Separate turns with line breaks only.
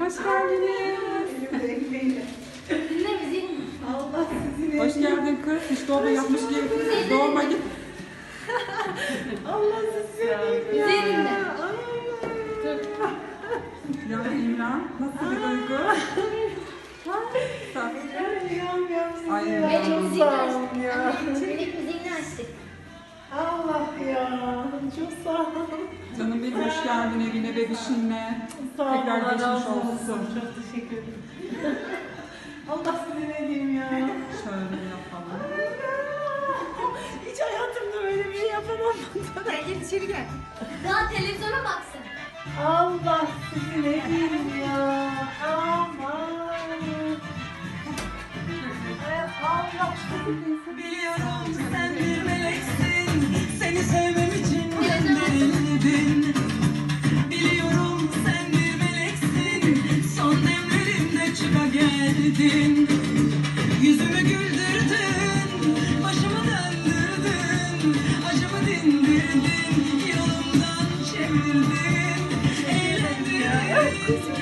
hoş geldiniz.
Dinle bizi.
Allah sizin
Hoş geldin kız. Hiç doğma yapmış gibi. Doğma git.
Allah sizin ya.
Bizi dinle.
Ya İmran, nasıl bir duygu? Ay,
Melek
Çok
müziğini
sağ
açtık.
olun ya.
Melek müziğini açtık.
Allah ya. Çok sağ olun.
Canım benim hoş geldin evine bebişinle.
Sağ olun.
Tekrar
Allah
geçmiş
razı
olsun.
Çok teşekkür ederim. Allah sizi ne diyeyim ya.
Şöyle yapalım.
Hiç hayatımda böyle bir şey yapamam.
Gel içeri gel. Daha televizyona baksın.
Allah sizi ne diyeyim ya. Aman. Ay, Allah sizi
Biliyorum sen bir meleksin, seni sevmem için gönderildin. Biliyorum sen bir meleksin, son demlerimde çıka geldin. Yüzümü güldürdün, başımı döndürdün, acımı dindirdin, yolumdan çevirdin, eğlendin.